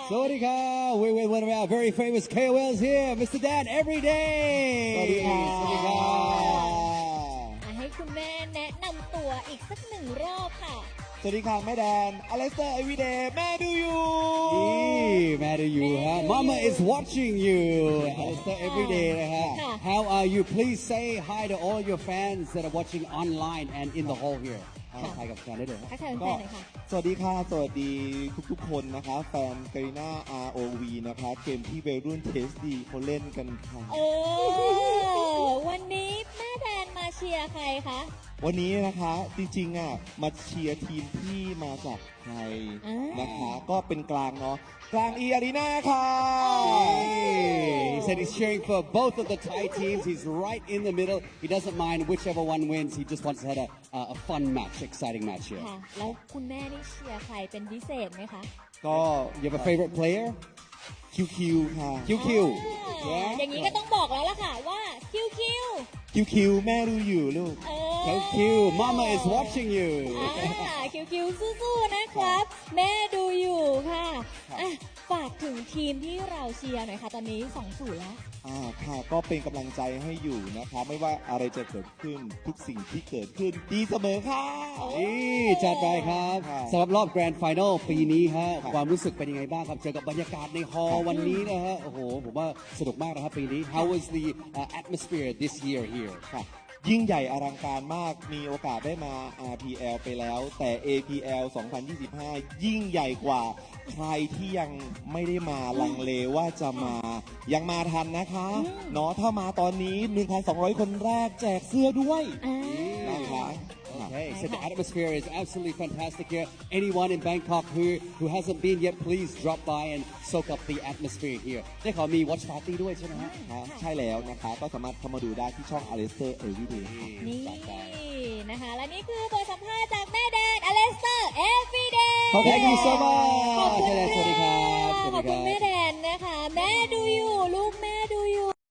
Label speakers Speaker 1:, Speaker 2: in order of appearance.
Speaker 1: Sawadika. We're with one of our very famous KOLs here, Mr. Dan Everyday.
Speaker 2: สวัสดีครับ
Speaker 1: สวัสดีครับ
Speaker 3: ให้คุณแม่แนะนำตัวอีกสักหนึ่งรอบค่ะ
Speaker 2: สวัสดีค่ะแม่แดนอเล็กเตอร์เอวีเดย์แม่ดูอยู่
Speaker 1: Mad at you, huh? Mama is watching you. Alistair Everyday, huh? How are you? Please say hi to all your fans that are watching online and in the hall here. ทักทายกับแฟนได้เลยนะ
Speaker 3: ทักทายแฟ
Speaker 2: ก็
Speaker 3: นๆหน่อยค่ะ
Speaker 2: สวัสดีค่ะสวัสดีทุกๆคนนะคะแฟนกรีน่า ROV นะคะเกมที่วัยรุ่นเทสดีเขาเล่นกันค่ะ
Speaker 3: วันนี้แม่แดนมาเชียร์ใครคะ
Speaker 2: วันนี้นะคะจริงๆมาเชียร์ทีมที่มาจากไทยนะคะก็เป็นกลางเนาะกลางอารีนาค่ะ
Speaker 1: He said he's cheering for both of the Thai teams. He's right in the middle. He doesn't mind whichever one wins. He just wants to have a fun match, exciting match here.
Speaker 3: ค่ะ แล้วคุณแม่นี่เชียร์ใครเป็นพิเศษไหมคะ
Speaker 2: ก็
Speaker 1: You have a favorite player?
Speaker 2: QQ ค่ะ
Speaker 1: QQ.
Speaker 3: อย่างนี้ก็ต้องบอกแล้วล่ะค่ะว่าคิวคิว
Speaker 2: QQ แม่ดูอยู่ลูก
Speaker 1: QQ. Mama is watching you.
Speaker 3: คิวคิวสู้ๆนะครับ แม่ดูอยู่ค่ะฝากถึงทีมที่เราเชียร์หน่อยค่ะตอนนี้2-0แล้ว
Speaker 2: ค่ะก็เป็นกำลังใจให้อยู่นะคะไม่ว่าอะไรจะเกิดขึ้นทุกสิ่งที่เกิดขึ้นดีเสมอค่ะ
Speaker 1: นี่จัดไปครับสำหรับรอบแกรนด์ไฟนอลปีนี้ฮะความรู้สึกเป็นยังไงบ้างครับเจอกับบรรยากาศในฮอลล์วันนี้นะฮะโอ้โหผมว่าสนุกมากนะครับปีนี้ How was the atmosphere this year here
Speaker 2: ค่ะยิ่งใหญ่อลังการมากมีโอกาสได้มา RPL ไปแล้วแต่ APL 2025 ยิ่งใหญ่กว่าใครที่ยังไม่ได้มาลังเลว่าจะมายังมาทันนะคะเนาะถ้ามาตอนนี้ 1,200 คนแรกแจกเสื้อด้วยนะคะ
Speaker 1: Okay, so the atmosphere is absolutely fantastic here. Anyone in Bangkok who hasn't been yet, please drop by and soak up the atmosphere here. ได้ขอมี watch party ด้วยใช่ไหมฮะ
Speaker 2: ใช่แล้วนะคะก็สามารถเข้ามาดูได้ที่ช่อง Alistair Everyday
Speaker 3: นี่นะคะ และนี่คือบทสัมภาษณ์จากแม่แดนอเลสเตอร์ Everyday
Speaker 1: Thank you so much
Speaker 3: ขอบคุณ
Speaker 1: สวัสดีครับ
Speaker 3: ขอบคุณแม่แด